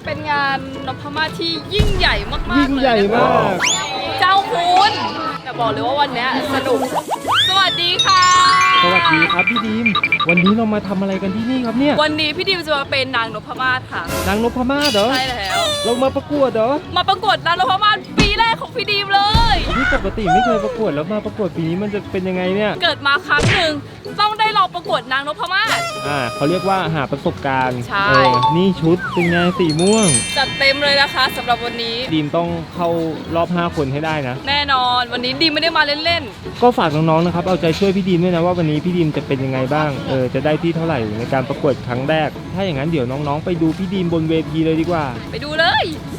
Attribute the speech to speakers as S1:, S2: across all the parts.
S1: เป็นงานนพมาศที่ยิ่งใหญ่มากๆ
S2: ยิ่งใหญ่มาก
S1: เจ้าคุณแต่บอกเลยว่าวันนี้สนุกสวัสดีค่ะ
S2: สวัสดีครับพี่ดีมวันนี้เรามาทำอะไรกันที่นี่ครับเนี่ย
S1: วันนี้พี่ดิมจะมาเป็นนางนพมาศค่ะ
S2: นางนพมาศเหรอ
S1: ใช่แล้ว
S2: เรามาประกวดเหรอ
S1: มาประกวดนางนพมาศปีแรกของพี่ดิมเลย
S2: นี่ปกติไม่เคยประกวดแล้วมาประกวดปีนี้มันจะเป็นยังไงเนี่ย
S1: เกิดมาครั้งหนึ่งต้องได้ลองประกวดนางนพมาศ
S2: เขาเรียกว่าหาประสบการณ์
S1: ใช่
S2: นี่ชุดเป็นไงสีม่วง
S1: จัดเต็มเลยนะคะสำหรับวันนี้
S2: ดีมต้องเข้ารอบ5คนให้ได้นะ
S1: แน่นอนวันนี้ดิมไม่ได้มาเล่น
S2: ก็ฝากน้องๆนะครับเอาใจช่วยพี่ดีมด้วยนะว่าวันนี้พี่ดีมจะเป็นยังไงบ้างจะได้ที่เท่าไหร่ในการประกวดครั้งแรก ถ้าอย่างนั้นเดี๋ยวน้องๆไปดูพี่ดีมบนเวทีเลยดีกว่า
S1: ๆ ไปดูเลย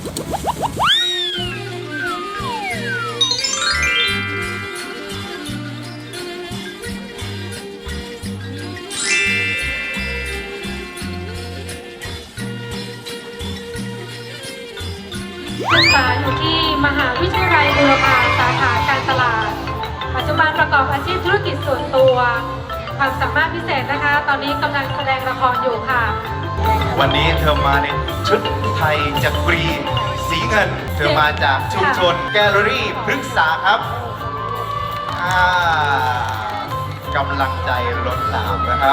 S3: ศึกษาอยู่ที่มหาวิทยาลัยบูรพาสาขาการตลาด ปัจจุบันประกอบอาชีพธุรกิจส่วนตัวความสามารถพิเศษนะคะ ตอนนี้กำลังแสดงละครอยู่ค่ะ
S4: วันนี้เธอมาในชุดไทยจักรีสีเงิน เธอมาจากชุมชนแกลเลอรี่พฤกษาครับกำลังใจล้นหลามนะครับ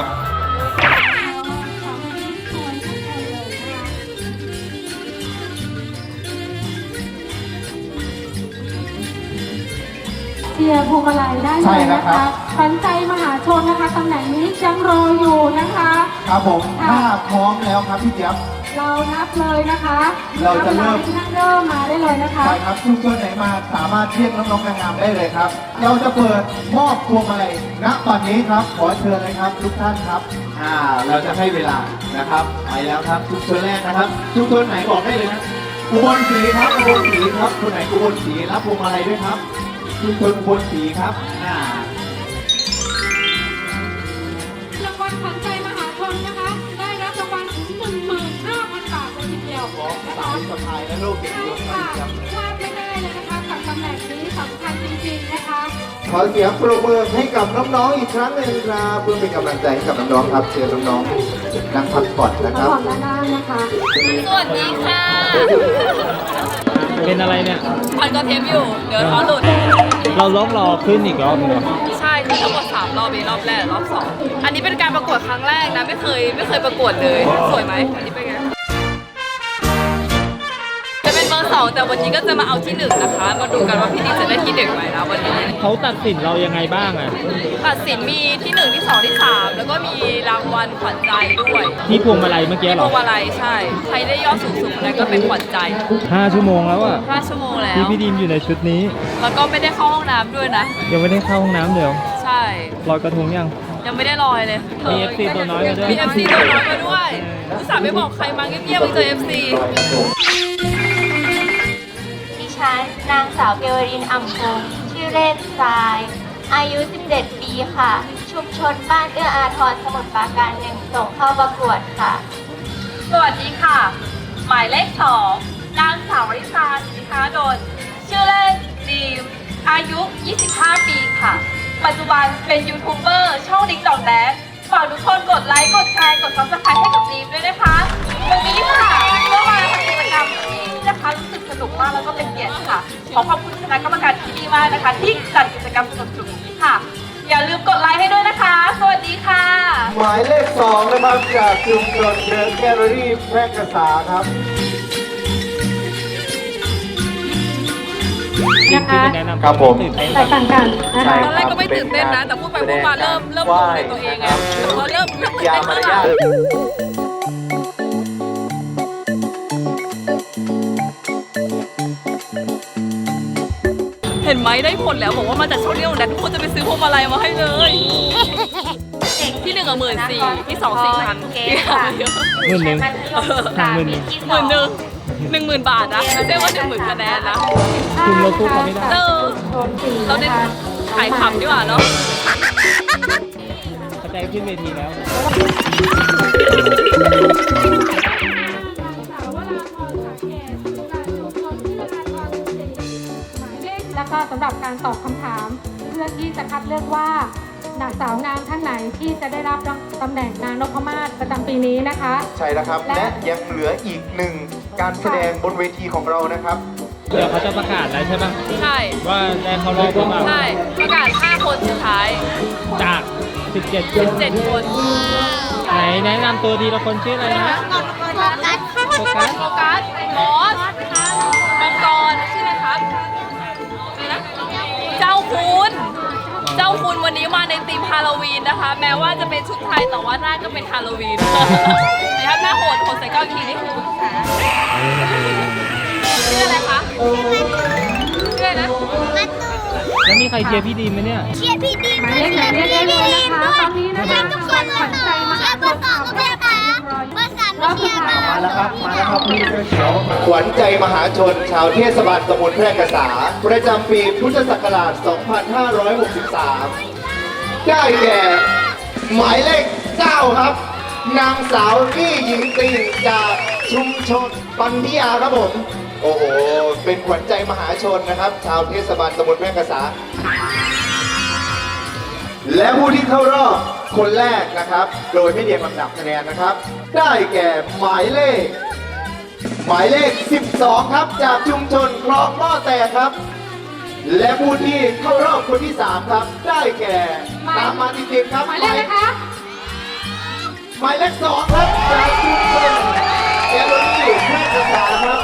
S3: เชียร์พวงมาลัยได้เลยนะคะขวัญใจมหาชนนะคะตำแหน่งนี้ยังรออยู่นะคะ
S4: ครับผมถ้าพร้อมแล้วครับพี่เจี๊ยบ
S3: เรานับเลยนะคะ
S4: เราจะเริ่ม
S3: นับเริ่มมาได้เลยนะคะ
S4: ใช่ครับชุมชนไหนมาสามารถเรียกน้องๆนางงามได้เลยครับ เราจะเปิดมอบพวงมาลัยณตอนนี้ครับ ขอเชิญเลยครับทุกท่านครับ เราจะให้เวลานะครับไปแล้วครับชุมชนแรกนะครับชุมชนไหนบอกได้เลยนะอุบลศรีครับอุบลศรีครับคนไหนอุบลศรีรับพวงมาลัยด้วยครับชุมชนอุบลศรีครับ
S3: รางวัลขวัญใจมหาชนนะคะ ได้รับรางวัลถึง 15,000 บาทเลยทีเดียว
S4: ของ
S3: นะ
S4: สา
S3: คะ
S4: ยสะพายและโลกเก็บ
S3: ใช่
S4: ยศค
S3: ค่ะ
S4: รับ
S3: พลาดไม่ได้เลยนะคะกับตำแหน่งนี้สำคัญจริงๆนะคะ
S4: ขอเสียงปรบมือให้กับน้องๆอีกครั้งหนึ่งครับเพื่อเป็นกำลังใจให้กับน้องๆครับเชิญน้องๆนั่งพักผ่อนนะค
S3: มา
S4: รับ
S3: ก่อนด้านหน้านะคะ
S1: สวัสดีค่ะ
S2: เป็นอะไรเนี่ย
S1: พันก็เทปอยู่ เดี๋ยวท้อหลุด
S2: เราล็อกรอขึ้นอีกรอบหนึงเหรอ
S1: ใช่คือทั้งหมด3รอบเองรอบแรกรอบ2อันนี้เป็นการประกวดครั้งแรกนะไม่เคยประกวดเลยสวยไหมอันนี้เป็นไงจะเป็นเบอร์2แต่วันนี้ก็จะมาเอาที่1นะคะมาดูกันว่าพี่ดิมจะได้ที่1ไหมนะวันนี้
S2: เขาตัดสินเรายังไงบ้างอ่ะ
S1: ตัดสินมีที่1ที่2ที่3แล้วก็มีรางวัลขวัญใจด้วย
S2: ที่พวงมาลัยเมื่อกี้
S1: ที่
S2: เห
S1: พ
S2: ร
S1: ว
S2: อง
S1: มาลัยใช่ใครได้ยอดสูงสุดคนนั้นก็เป็นขวัญใจ
S2: 5 ชั่วโมงแล้วอ่ะ
S1: 5 ชั่วโมงแล้
S2: ที่
S1: ว
S2: พี่ดีมอยู่ในชุดนี้
S1: แล้วก็ไม่ได้เข้าห้องน้ำด้วยนะ
S2: ยังไม่ได้เข้าห้องน้ำเดี๋ยว
S1: ใช่
S2: ลอยกระทงยัง
S1: ยังไม่ได้ลอยเลย
S2: มี FC ตัวน้อยมาด้วย
S1: มี FC ตัวน้อยมาด้วยอุตส่าห์ไม่บอกใครมาเงียบๆไปเจอ FC
S5: ดิฉันนางสาวเกวรินอ่ำพงศ์ชื่อเล่นทราย อายุ 17 ปีค่ะ ชุมชนบ้านเอื้ออาทรสมุทรปราการ1ส่งเข้าประกวดค่ะ
S1: สวัสดีค่ะ หมายเลข2นางสาววริษาสินค้าดลชื่อเล่นดีมอายุ 25 ปีค่ะ ปัจจุบันเป็นยูทูบเบอร์ช่องดิ๊กดอกแดนฝากทุกคนกดไลค์ กดแชร์ กด Subscribe ให้กับดีมด้วยนะคะวันนี้ค่ะก็มาทำกิจกรรมที่นี่นะคะรู้สึกสนุกมากแล้วก็เป็นเกียรติค่ะ ขอขอบคุณคณะกรรมการที่ดีมากนะคะ ที่จัดกิจกรรมสนุกๆนี้ค่ะ อย่าลืมกดไลค์ให้ด้วยนะคะ สวัสดีค่ะ
S4: หมายเลข2นะครับจากชุมชนเดอะแกลเลอรี่แพร่กษาครับ
S3: นะคะ
S2: ที่เป็นแนะนำ
S4: ครับผม
S2: ตื่นเต้น
S3: แตกต่างกันนะคะ
S1: ตอนแรกก็ไม่ตื่นเต้นนะ แต่พูดไปพูดมาเริ่มงงในตัวเองไงแต่พอเริ่มตื่นเต้นมากเห็นไหมได้ผลแล้วบอกว่ามาจากช่องนี้ของแดนทุกคนจะไปซื้อพวงมาลัยมาให้เลยที่1 14,000ที่2 4,000ที่3เยอะ
S2: 11,000ห่าง11,000
S1: 10,000 บาทนะไม่ใช่ว่า10,000คะแนนนะ
S2: คุณเราสู้เขาไม่ได้
S1: เราได้ขายขำดีกว่าเนาะ
S2: เข้าใจขึ้นเวทีแล้ว
S3: แล้วก็สำหรับการตอบคำถามเพื่อที่จะคัดเลือกว่า สาวงามท่านไหนที่จะได้รับตำแหน่งนางนพมาศประจำปีนี้นะคะ
S4: ใช่แล้วครับ และยังเหลืออีกหนึ่งการแสดงบนเวทีของเรานะครับ
S2: เดี๋ยวเขาจะประกาศแล้วใช่ปะ
S1: ใช่
S2: ว่าได้เข้ารอบหรือเปล่า
S1: ใช่ประกาศ 5 คนสุดท้าย
S2: จาก 17 คน
S1: 7 คน
S2: ไหนแนะนำตัวทีละคนชื่ออะไรนะ โฟกัส
S1: โฟกัสมอสมังกรชื่ออะไรครับอะไรนะเจ้าคุณเจ้าคุณวันนี้มาในธีมฮาโลวีนนะคะ แม้ว่าจะเป็นชุดไทยแต่ว่าหน้าก็เป็นฮาโลวีนนะครับหน้าโหดใส่ก้าวทีนี่คือชื่ออะไรคะชื่ออะไรนะ
S2: แล้วมีใครเชียร์พี่ดีมไหมเนี่ย
S5: เชียร์พี่ดีม
S3: หมายเลขไหนเรียกได้เลยนะคะตอนนี้นะคะ
S5: ทุกคนเลยค่ะเชียร์เบอร์สองก็ไม่ค่ะเบอร์สามไม่เชียร์ค่ะ
S4: มาแล้วครับ มาแล้วครับพี่เสื้อเขียวขวัญใจมหาชน ชาวเทศบาลตำบลแพร่กษา ประจำปีพุทธศักราช 2563 ได้แก่ หมายเลข 9 ครับ นางสาวพี่หญิงตีนจากชุมชนปัญญาครับผม โอ้โห เป็นขวัญใจมหาชนนะครับ ชาวเทศบาลตำบลแพร่กษา และผู้ที่เข้ารอบคนแรกนะครับ โดยไม่เรียงลำดับคะแนนนะครับ ได้แก่หมายเลข 12 ครับ จากชุมชนคลองหม้อแตกครับ และผู้ที่เข้ารอบคนที่ 3 ครับ ได้แก่ตามมาติดๆครับ
S3: หมายเลขนะคะ
S4: หมายเลข 2 ครับ จากชุมชนแกลเลอรี่แพร่กษาครับ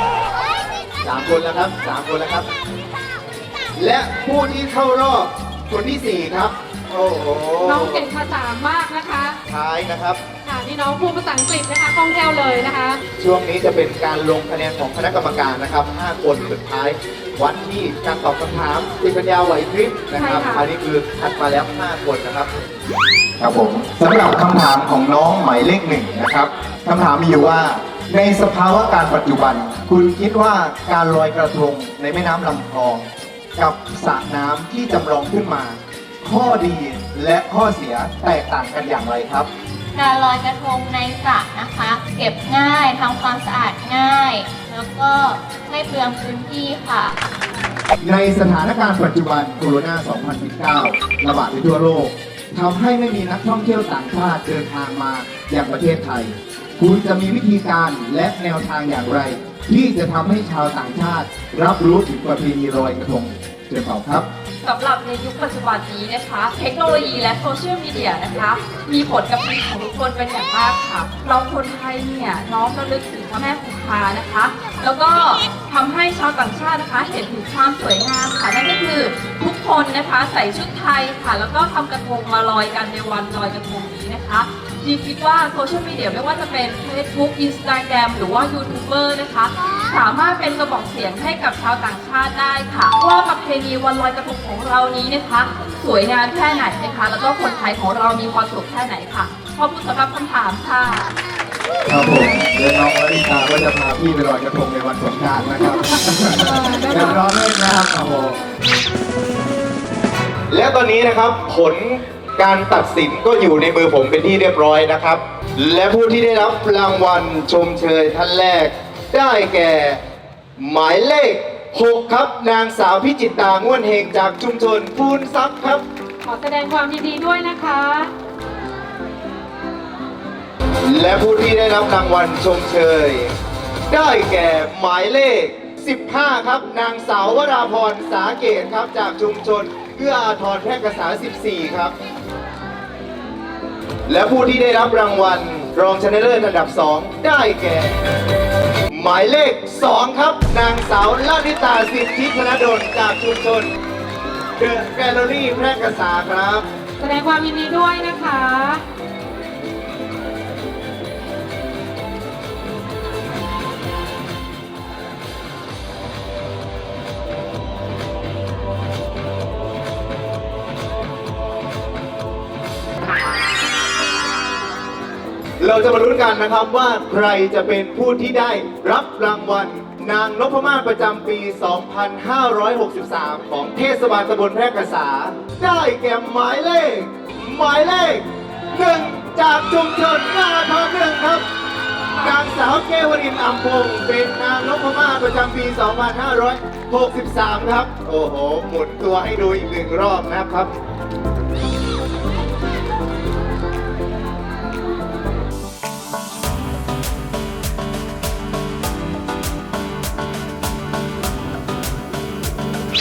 S4: 3 คนแล้วครับ3 คนแล้วครับ และผู้ที่เข้ารอบคนที่ 4 ครับ โอ้โห
S3: น้องเก่งภาษามากนะคะ
S4: ท้ายนะครับ
S3: ค่ะนี่น้องพูดภาษาอังกฤษนะคะคล่องแคล่วเลยนะคะ
S4: ช่วงนี้จะเป็นการลงคะแนนของคณะกรรมการนะครับ 5 คนสุดท้าย วัดที่การตอบคำถามติปัญญาไหวพริบนะครับ
S3: ใช่ค่ะ
S4: อันนี้คือคัดมาแล้ว 5 คนนะครับ ครับผมสำหรับคำถามของน้องหมายเลข 1 นะครับคำถามมีอยู่ว่า ในสภาวะการปัจจุบัน คุณคิดว่าการลอยกระทงในแม่น้ำลำคลอง กับสระน้ำที่จำลองขึ้นมา ข้อดีและข้อเสียแตกต่างกันอย่างไรครับ
S5: การลอยกระทงในสระนะคะ เก็บง่ายทำความสะอาดง่าย แล้วก็ไม่เปลืองพื้นที่ค่ะ
S4: ในสถานการณ์ปัจจุบันโควิด 2019 ระบาดไปทั่วโลกทำให้ไม่มีนักท่องเที่ยวต่างชาติเดินทางมาอย่างประเทศไทย คุณจะมีวิธีการและแนวทางอย่างไร ที่จะทำให้ชาวต่างชาติ รับรู้ถึงประเพณีลอยกระทงเชิญตอบครับ
S1: สำหรับในยุคปัจจุบันนี้นะคะ เทคโนโลยีและโซเชียลมีเดียนะคะ มีผลกับชีวิตของทุกคนเป็นอย่างมากค่ะ เราคนไทยเนี่ยน้อมระลึกถึงพระแม่คงคานะคะ แล้วก็ทำให้ชาวต่างชาตินะคะ เห็นถึงความสวยงามค่ะนั่นก็คือทุกคนนะคะใส่ชุดไทยค่ะ แล้วก็ทำกระทงมาลอยกันในวันลอยกระทงนี้นะคะดีคิดว่าโซเชียลมีเดียไม่ว่าจะเป็น Facebook Instagram หรือว่ายูทูบเบอร์นะคะ สามารถเป็นกระบอกเสียงให้กับชาวต่างชาติได้ค่ะว่าประเพณีวันลอยกระทงของเรานี้นะคะ สวยงามแค่ไหนนะคะ แล้วก็คนไทยของเรามีความสุขแค่ไหนค่ะขอบคุณสำหรับคำถามค่ะ
S4: ครับผมเดี๋ยวน้องวริชาก็จะพาพี่ไปลอยกระทงในวันสงกรานต์นะครับเดี๋ยวรอด้วยนะครับโอ้โหและตอนนี้นะครับผลการตัดสินก็อยู่ในมือผมเป็นที่เรียบร้อยนะครับ และผู้ที่ได้รับรางวัลชมเชยท่านแรก ได้แก่ หมายเลข 6 ครับ นางสาวพิจิตตาง่วนเฮงจากชุมชนพูนซับครับ
S3: ขอแสดงความยินดีด้วยนะคะ
S4: และผู้ที่ได้รับรางวัลชมเชย ได้แก่หมายเลข 15 ครับ นางสาววราพรสาเกตครับจากชุมชนเอื้ออาทรแพร่กษา 14 ครับ และผู้ที่ได้รับรางวัลรองชนะเลิศอันดับ 2 ได้แก่ หมายเลข 2 ครับ นางสาวลานิตาสิทธิธนดลจากชุมชนเดอะแกลเลอรี่แพร่กษาครับ
S3: แสดงความยินดีด้วยนะคะ
S4: เราจะมาลุ้นกันนะครับว่าใครจะเป็นผู้ที่ได้รับรางวัลนางนพมาศประจำปี 2563 ของเทศบาลตำบลแพร่กษา ได้แก่หมายเลข 1 จากชุมชนหน้าทองหนึ่งครับ นางสาวเกวรินทร์อัมพงศ์เป็นนางนพมาศประจำปี 2563 ครับ โอ้โห หมุนตัวให้ดูอีก1 รอบนะครับ
S2: ค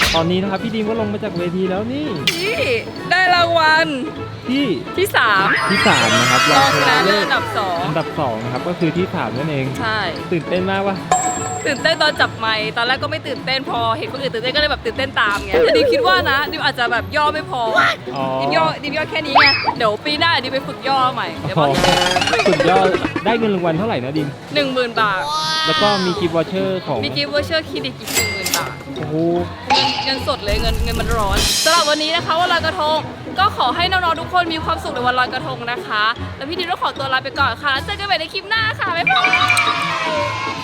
S2: ตอนนี้นะครับพี่ดีมก็ลงมาจากเวทีแล้วนี่
S1: นี่ได้รางวัล
S2: ที่
S1: ที่ 3
S2: ที่3นะครับ
S1: รองชนะเลิศ
S2: ศ
S1: อันดับ
S2: อันดับ2นะครับก็คือที่3นั่นเอง
S1: 2 ใช่
S2: ตื่นเต้นมากวะ
S1: ตื่นเต้นตอนจับไมค์ตอนแรกก็ไม่ตื่นเต้นพอเห็นคนอื่นตื่นเต้นก็เลยแบบตื่นเต้นตามไงแต่ดิมคิดว่านะดิมอาจจะแบบย่อไม่พอ
S2: อ๋อ
S1: ดิมย่อแค่นี้ไงเดี๋ยวปีหน้าดิมไปฝึกย่อใหม่เดี๋ยว
S2: อ๋
S1: บ
S2: อ
S1: อก
S2: สุดยอดได้เงินรางวัลเท่าไหร่นะดิม
S1: 10,000 บาท
S2: แล้วก็มีกิฟต์วอเชอร์ของ
S1: มีกิฟต์วอเชอร์คลินิกอีก 10,000 บาท
S2: โอ้โห
S1: เงินสดเลยเงินมันร้อนสำหรับวันนี้นะคะวันลอยกระทงก็ขอให้น้องๆทุกคนมีความสุขในวันลอยกระทงนะคะ แล้วพี่ดิมต้องขอตัวลาไปก่อนค่ะแล้วเจอกันใหม่ในคลิปหน้าค่ะบ๊ายบาย